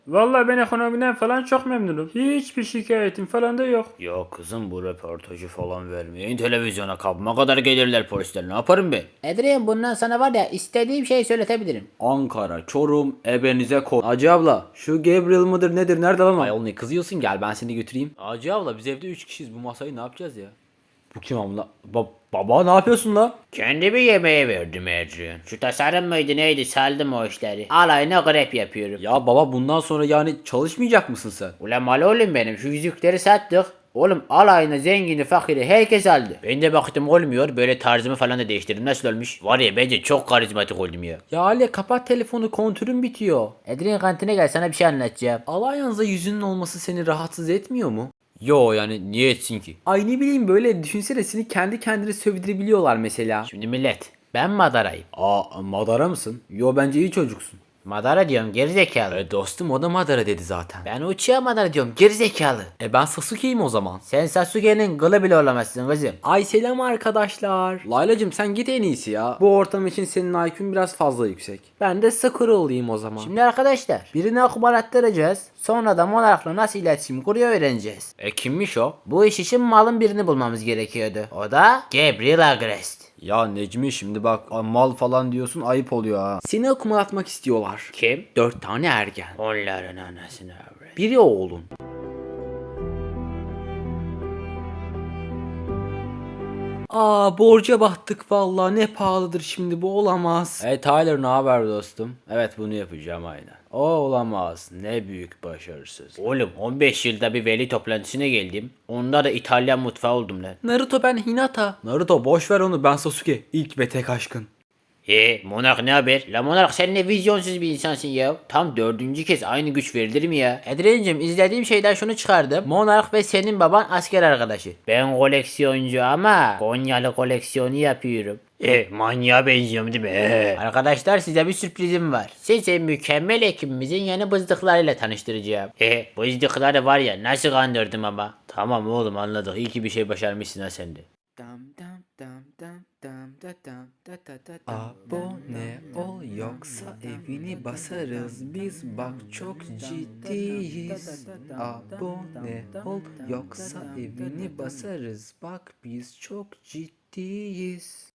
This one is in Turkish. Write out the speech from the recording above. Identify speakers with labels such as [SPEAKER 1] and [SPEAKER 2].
[SPEAKER 1] Vallahi ben ekonomiden falan çok memnunum. Hiçbir şikayetim falan da yok.
[SPEAKER 2] Ya kızım bu röportajı falan vermeyin televizyona kapma kadar gelirler polisler ne yaparım ben?
[SPEAKER 3] Edriyem bundan sana var ya istediğim şeyi söyletebilirim.
[SPEAKER 4] Ankara, Çorum, ebenize ko... Hacı abla şu Gabriel mıdır nedir nerede lan o?
[SPEAKER 5] Ayol ne kızıyorsun, gel ben seni götüreyim. Hacı abla biz evde 3 kişiyiz, bu masayı ne yapacağız ya?
[SPEAKER 4] Bu kim amına? Baba ne yapıyorsun la?
[SPEAKER 2] Kendi bir yemeğe verdim Adrian. Şu tasarım mıydı neydi saldım o işleri. Alayına grep yapıyorum.
[SPEAKER 4] Ya baba bundan sonra yani çalışmayacak mısın sen?
[SPEAKER 2] Ulan mal oğlum benim şu yüzükleri sattık. Oğlum alayına zengini fakiri herkes aldı. Ben de baktım olmuyor böyle tarzımı falan da değiştirdim nasıl olmuş? Var ya bence çok karizmatik oldum ya.
[SPEAKER 4] Ya Ali kapat telefonu kontürün bitiyor.
[SPEAKER 3] Edriyem kantine gel sana bir şey anlatacağım.
[SPEAKER 4] Alliance'da yüzünün olması seni rahatsız etmiyor mu?
[SPEAKER 5] Yo yani niye etsin ki?
[SPEAKER 4] Ay ne bileyim böyle düşünsene seni kendi kendine sövdürebiliyorlar mesela.
[SPEAKER 2] Şimdi millet ben Madara'yım.
[SPEAKER 4] Aa Madara mısın? Yo bence iyi çocuksun.
[SPEAKER 2] Madara diyorum gerizekalı.
[SPEAKER 5] Dostum o da Madara dedi zaten.
[SPEAKER 2] Ben Uchiha Madara diyorum gerizekalı.
[SPEAKER 5] Ben Sasuke'yim o zaman.
[SPEAKER 2] Sen Sasuke'nin kılı bile olamazsın kızım.
[SPEAKER 4] Ay selam arkadaşlar. Laylacım sen git en iyisi ya. Bu ortam için senin IQ'un biraz fazla yüksek. Ben de Sakura olayım o zaman.
[SPEAKER 3] Şimdi arkadaşlar birine okuma attıracağız. Sonra da Monarch'la nasıl iletişim kuruyor öğreneceğiz.
[SPEAKER 5] Kimmiş o?
[SPEAKER 3] Bu iş için malın birini bulmamız gerekiyordu. O da
[SPEAKER 2] Gabriel Agrest.
[SPEAKER 4] Ya Necmi şimdi bak mal falan diyorsun ayıp oluyor ha. Seni okumalatmak istiyorlar.
[SPEAKER 2] Kim?
[SPEAKER 4] 4 tane ergen.
[SPEAKER 2] Onların anasını avret.
[SPEAKER 4] Biri oğlun. Aa borca battık vallahi ne pahalıdır şimdi bu olamaz. Hey Tyler ne haber dostum? Evet bunu yapacağım aynen. O olamaz ne büyük başarısız.
[SPEAKER 2] Oğlum 15 yılda bir veli toplantısına geldim. Onda da İtalyan mutfağı oldum lan.
[SPEAKER 4] Naruto ben Hinata. Naruto boş ver onu ben Sasuke. İlk ve tek aşkın.
[SPEAKER 2] Monark ne haber? La Monark sen ne vizyonsuz bir insansın ya. Tam 4. kez aynı güç verilir mi ya?
[SPEAKER 3] Edriyem'cim izlediğim şeyden şunu çıkardım. Monarch ve senin baban asker arkadaşı.
[SPEAKER 2] Ben koleksiyoncu ama Konyalı koleksiyonu yapıyorum. Manyağa benziyorum değil mi?
[SPEAKER 3] Arkadaşlar size bir sürprizim var.
[SPEAKER 2] Sizi mükemmel ekibimizin yeni bızdıklarıyla tanıştıracağım. Bızdıkları var ya nasıl kandırdım ama. Tamam oğlum anladık. İyi ki bir şey başarmışsın ha sen de.
[SPEAKER 4] Abone ol yoksa evini basarız biz bak çok ciddiyiz. Abone ol yoksa evini basarız bak biz çok ciddiyiz.